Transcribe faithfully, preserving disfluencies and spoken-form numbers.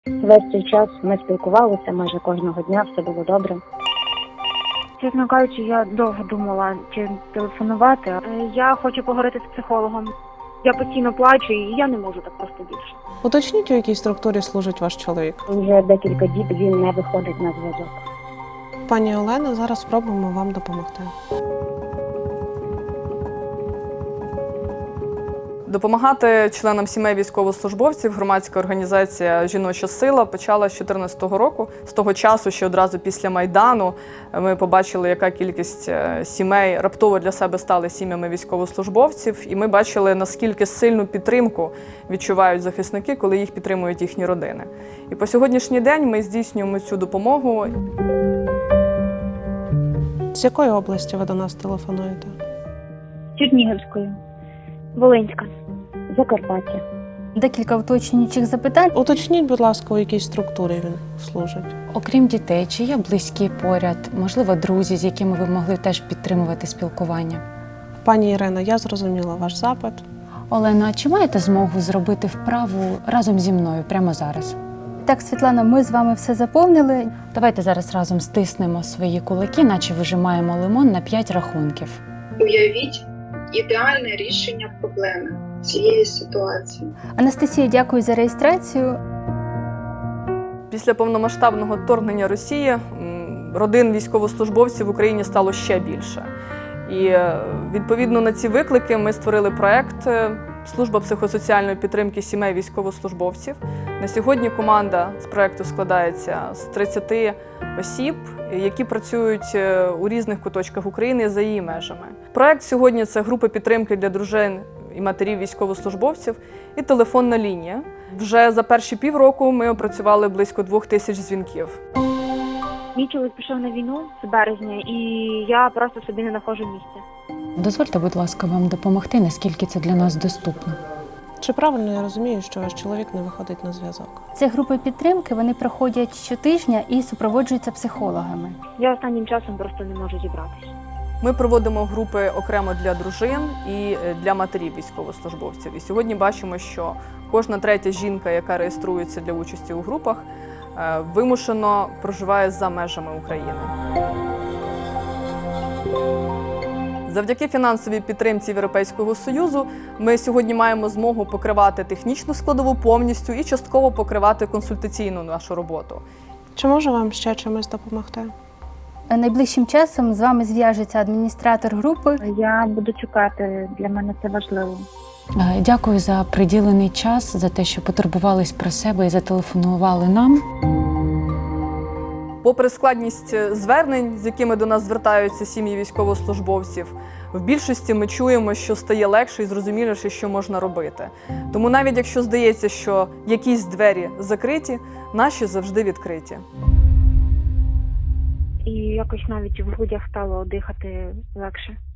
Весь цей час ми спілкувалися майже кожного дня, все було добре. Чесно кажучи, я довго думала, чи телефонувати. Е, Я хочу поговорити з психологом. Я постійно плачу і я не можу так просто більше. Уточніть, у якій структурі служить ваш чоловік. Вже декілька діб він не виходить на зв'язок. Пані Олено, зараз спробуємо вам допомогти. Допомагати членам сімей військовослужбовців громадська організація «Жіноча сила» почала з дві тисячі чотирнадцятого року. З того часу, ще одразу після Майдану, ми побачили, яка кількість сімей раптово для себе стали сім'ями військовослужбовців. І ми бачили, наскільки сильну підтримку відчувають захисники, коли їх підтримують їхні родини. І по сьогоднішній день ми здійснюємо цю допомогу. З якої області ви до нас телефонуєте? Чернігівською. Волинська. Закарпаття. Декілька уточнюючих запитань. Уточніть, будь ласка, у якій структурі він служить. Окрім дітей, чи є близькі поряд, можливо, друзі, з якими ви могли теж підтримувати спілкування? Пані Ірино, я зрозуміла ваш запит. Олено, а чи маєте змогу зробити вправу разом зі мною прямо зараз? Так, Світлана, ми з вами все заповнили. Давайте зараз разом стиснемо свої кулаки, наче вижимаємо лимон на п'ять рахунків. Уявіть ідеальне рішення проблеми цієї ситуації. Анастасія, дякую за реєстрацію. Після повномасштабного вторгнення Росії м, родин військовослужбовців в Україні стало ще більше. І е, відповідно на ці виклики ми створили проект е, «Служба психосоціальної підтримки сімей військовослужбовців». На сьогодні команда з проекту складається з тридцяти осіб, які працюють е, у різних куточках України за її межами. Проект сьогодні – це групи підтримки для дружин і матерів військовослужбовців і телефонна лінія. Вже за перші півроку ми опрацювали близько двох тисяч дзвінків. Мій чоловік пішов на війну з березня, і я просто собі не знаходжу місця. Дозвольте, будь ласка, вам допомогти, наскільки це для нас доступно. Чи правильно я розумію, що ваш чоловік не виходить на зв'язок? Це групи підтримки, вони проходять щотижня і супроводжуються психологами. Я останнім часом просто не можу зібратися. Ми проводимо групи окремо для дружин і для матерів військовослужбовців. І сьогодні бачимо, що кожна третя жінка, яка реєструється для участі у групах, вимушено проживає за межами України. Завдяки фінансовій підтримці Європейського Союзу ми сьогодні маємо змогу покривати технічну складову повністю і частково покривати консультаційну нашу роботу. Чи можу вам ще чимось допомогти? Найближчим часом з вами зв'яжеться адміністратор групи. Я буду чекати, для мене це важливо. Е, Дякую за приділений час, за те, що потурбувались про себе і зателефонували нам. Попри складність звернень, з якими до нас звертаються сім'ї військовослужбовців, в більшості ми чуємо, що стає легше і зрозуміліше, що можна робити. Тому навіть якщо здається, що якісь двері закриті, наші завжди відкриті. І якось навіть в грудях стало дихати легше.